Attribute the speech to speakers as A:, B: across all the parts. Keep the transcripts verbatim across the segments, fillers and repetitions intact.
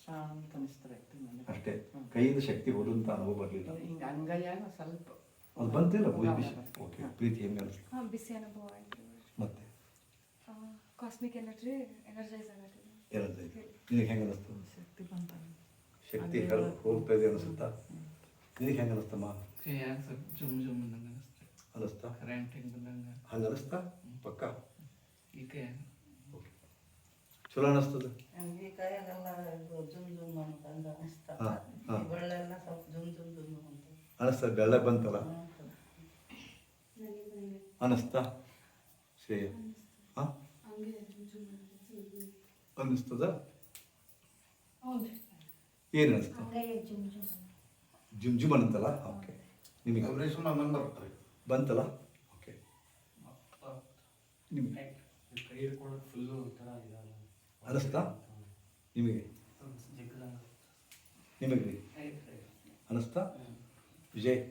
A: ಅಂತ ಅನಿಸ್ತಾರೆ
B: ಅಷ್ಟೇ. ಕೈಯಿಂದ ಶಕ್ತಿ ಹೋದಂತ ಅನುಭವ ಬರಲಿಲ್ಲ.
A: ಹಿಂಗೆ ಅಂಗೈಯಾಗ ಸ್ವಲ್ಪ
B: ಅದು ಬಂತಿಲ್ಲ ಬಿಸಿ. ಓಕೆ, ಪ್ರೀತಿ ಹೆಂಗೆ ಅನಿಸ್ತು?
C: ಹಾಂ, ಬಿಸಿ ಅನುಭವ ಆಯಿತು.
B: ಮತ್ತೆ
C: ಕಾಸ್ಮಿಕ್ ಎನರ್ಜಿ ಎನರ್ಜೈಸ್ ಆಗತ್ತೆ.
B: ಎನರ್ಜೈಸ್ ನಿನಗೆ ಹೆಂಗೆ ಅನಿಸ್ತು?
A: ಶಕ್ತಿ ಬಂತ,
B: ಶಕ್ತಿ ಹೇಳಿ ಹೋಗ್ತಾ ಇದೆ ಅನಿಸುತ್ತಾ? ನಿನಗೆ ಹೆಂಗೆ ಅನಿಸ್ತಮ್ಮ?
D: ಜುಮ್ ಜುಮ್ ಅನ್ನಿಸ್ತು.
B: ಅನಿಸ್ತಾ?
D: ಕರೆಂಟ್ ಹಿಂಗೆ ಬಂದಂಗೆ
B: ಹಂಗೆ ಅನಿಸ್ತಾ? ಪಕ್ಕ
D: ಈಗ
B: ಓಕೆ, ಚಲೋ ಅನಿಸ್ತದೆ.
E: ನಮಗೆ ಕೈಯಾಗೆಲ್ಲ ಜುಮ್ ಜುಮ್ ಅಂತ ಅಂದ ಅನಿಸ್ತಾ,
B: ಹಾಂ ಹಾಂ
E: ಬೆಳ್ಳೆಲ್ಲ ಸ್ವಲ್ಪ ಜುಮ್ ಜುಮ್ ಜುಮ್ ಅಂತ
B: ಅನಿಸ್ತದೆ. ಬೆಳ್ಳ ಬಂತಲ್ಲ ಅನಿಸ್ತಾ? ಶ್ರೇಯ ಹಾಂ ಅನ್ನಿಸ್ತದ? ಏನು ಅನಿಸ್ತು? ಜುಮ್ ಜುಮ್ ಅನ್ನಂತಲ್ಲ. ಓಕೆ, ನಿಮಗೆ ಬಂತಲ್ಲ? ಓಕೆ, ನಿಮಗೆ ಅನಿಸ್ತಾ? ನಿಮಗೆ ನಿಮಗೆ ಅನಿಸ್ತಾ? ವಿಜಯ್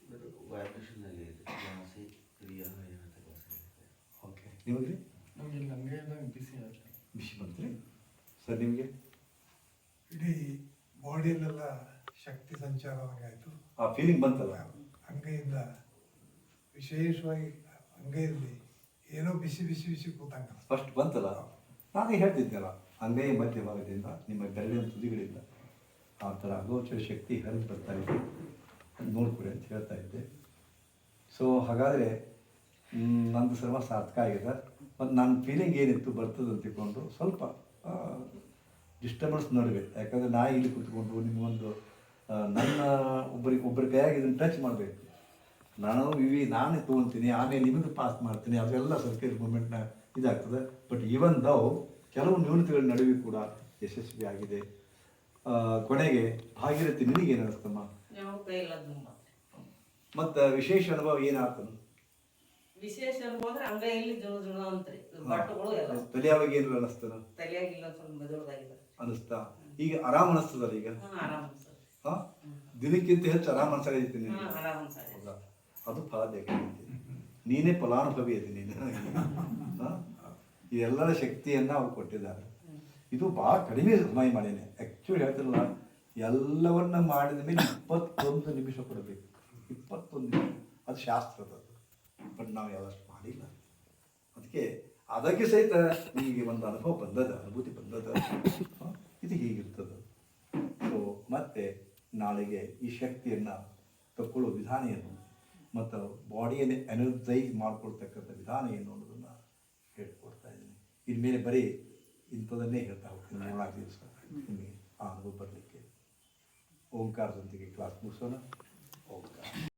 B: ಓಕೆ, ನಿಮಗೆ
D: ಬಿಸಿ ಆಗುತ್ತೆ.
B: ಬಿಸಿ ಬಂತ್ರಿ ಸರ್? ನಿಮಗೆ
F: ಇಡೀ ಬಾಡಿಯಲ್ಲೆಲ್ಲ ಶಕ್ತಿ ಸಂಚಾರ ಆಯಿತು.
B: ಆ ಫೀಲಿಂಗ್ ಬಂತಲ್ಲ?
F: ಅಂಗೈಯಿಂದ ವಿಶೇಷವಾಗಿ ಅಂಗೈಯಲ್ಲಿ ಏನೋ ಬಿಸಿ ಬಿಸಿ ಬಿಸಿ ಕೂತಂಗ
B: ಫಸ್ಟ್ ಬಂತಲ್ಲ. ನಾನೇ ಹೇಳ್ತಿದ್ದೆಲ್ಲ, ಅಂಗೈ ಮಧ್ಯಭಾಗದಿಂದ ನಿಮ್ಮ ಬೆರಳಿನ ತುದಿಗಳಿಂದ ಆ ಥರ ಅಗೋಚರ ಶಕ್ತಿ ಹರಿದು ಬರ್ತಾ ಇದೆ, ನೋಡ್ಕೊಡಿ ಅಂತ ಹೇಳ್ತಾ ಇದ್ದೆ. ಸೊ ಹಾಗಾದರೆ ನಂದು ಸರ್ವ ಸಾರ್ಥಕ ಆಗಿದೆ. ಮತ್ತು ನನ್ನ ಫೀಲಿಂಗ್ ಏನಿತ್ತು ಬರ್ತದೆ ಅಂತ ತಿಳ್ಕೊಂಡು ಸ್ವಲ್ಪ ಡಿಸ್ಟರ್ಬೆನ್ಸ್ ನಡುವೆ, ಯಾಕಂದರೆ ನಾ ಇಲ್ಲಿ ಕೂತ್ಕೊಂಡು ನಿಮಗೊಂದು ನನ್ನ ಒಬ್ಬರಿಗೆ ಒಬ್ಬರ ಕೈಯಾಗಿ ಇದನ್ನು ಟಚ್ ಮಾಡಬೇಕು. ನಾನು ಇವಿ ನಾನೇ ತೊಗೊಳ್ತೀನಿ, ಆಮೇಲೆ ನಿಮಗೆ ಪಾಸ್ ಮಾಡ್ತೀನಿ, ಅದೆಲ್ಲ ಸರ್ಕಾರಿ ಮೂಮೆಂಟ್ನ ಇದಾಗ್ತದೆ. ಬಟ್ ಈವನ್ ದೌ ಕೆಲವು ನ್ಯೂನತೆಗಳ ನಡುವೆ ಕೂಡ ಯಶಸ್ವಿ ಆಗಿದೆ. ಕೊನೆಗೆ ಭಾಗೀರಥಿ ನಿನಗೇನು ಅನಿಸ್ತಮ್ಮ? ಮತ್ತು ವಿಶೇಷ ಅನುಭವ ಏನಾಗ್ತದೆ?
E: ವಿಶೇಷ ಅನುಭವ ಅಂದ್ರೆ ಅಂಗೈಯಲ್ಲಿ ಜುಣ ಜುಣ ಅಂತ್ರಿ ಬಟ್ಟಗಳು ಎಲ್ಲ
B: ತಲೆಯಾವಾಗ ಏನು ಅನಿಸ್ತದ?
E: ತಲೆಯಾಗಿಲ್ಲ ಸ್ವಲ್ಪ ಮೆದುಳದಾಗಿದೆ
B: ಅನಿಸ್ತಾ? ಈಗ ಆರಾಮ್ ಅನಿಸ್ತದಲ್ಲ ಈಗ?
E: ಆರಾಮ್ ಅನ್ಸತ್ತೆ.
B: ಹಾಂ, ದಿನಕ್ಕಿಂತ ಹೆಚ್ಚು ಆರಾಮ್ ಅನ್ಸಾಗೈತಿ.
E: ಆರಾಮ್ ಅನ್ಸತ್ತೆ.
B: ಅದು ಫಲಾದ್ಯತೆ. ನೀನೇ ಫಲಾನುಭವಿ ಇದೆ ನೀನು. ಇದೆಲ್ಲರ ಶಕ್ತಿಯನ್ನು ಅವ್ರು ಕೊಟ್ಟಿದ್ದಾರೆ. ಇದು ಭಾಳ ಕಡಿಮೆ ಸಮಯ ಮಾಡೇನೆ. ಆ್ಯಕ್ಚುಲಿ ಹೇಳ್ತಿರಲ್ಲ, ಎಲ್ಲವನ್ನ ಮಾಡಿದ ಮೇಲೆ ಇಪ್ಪತ್ತೊಂದು ನಿಮಿಷ ಕೊಡಬೇಕು. ಇಪ್ಪತ್ತೊಂದು ನಿಮಿಷ ಅದು ಶಾಸ್ತ್ರದ್ದು. ಬಟ್ ನಾವು ಯಾವಷ್ಟು ಮಾಡಿಲ್ಲ. ಅದಕ್ಕೆ ಅದಕ್ಕೆ ಸಹಿತ ನಿಮಗೆ ಒಂದು ಅನುಭವ ಬಂದದ, ಅನುಭೂತಿ ಬಂದದ. ಇದು ಹೀಗಿರ್ತದೆ. ಸೊ ಮತ್ತೆ ನಾಳೆಗೆ ಈ ಶಕ್ತಿಯನ್ನು ತಗೊಳ್ಳೋ ವಿಧಾನ ಏನು ಮತ್ತು ಬಾಡಿಯನ್ನು ಎನರ್ಜೈಸ್ ಮಾಡ್ಕೊಳ್ತಕ್ಕಂಥ ವಿಧಾನ ಏನು ಅನ್ನೋದನ್ನು ಹೇಳ್ಕೊಡ್ತಾ ಇದ್ದೀನಿ. ಇನ್ಮೇಲೆ ಬರೀ ಇಂಥದನ್ನೇ ಹೇಳ್ತಾ ಹೋಗ್ತೀನಿ. ಮೂರ್ನಾಲ್ಕು ದಿವಸ ನಿಮಗೆ ಆ ಅನುಭವ ಬರಲಿಕ್ಕೆ ಓಂಕಾರದೊಂದಿಗೆ ಕ್ಲಾಸ್ ಮುಗಿಸೋಣ. ಓಂಕಾರ.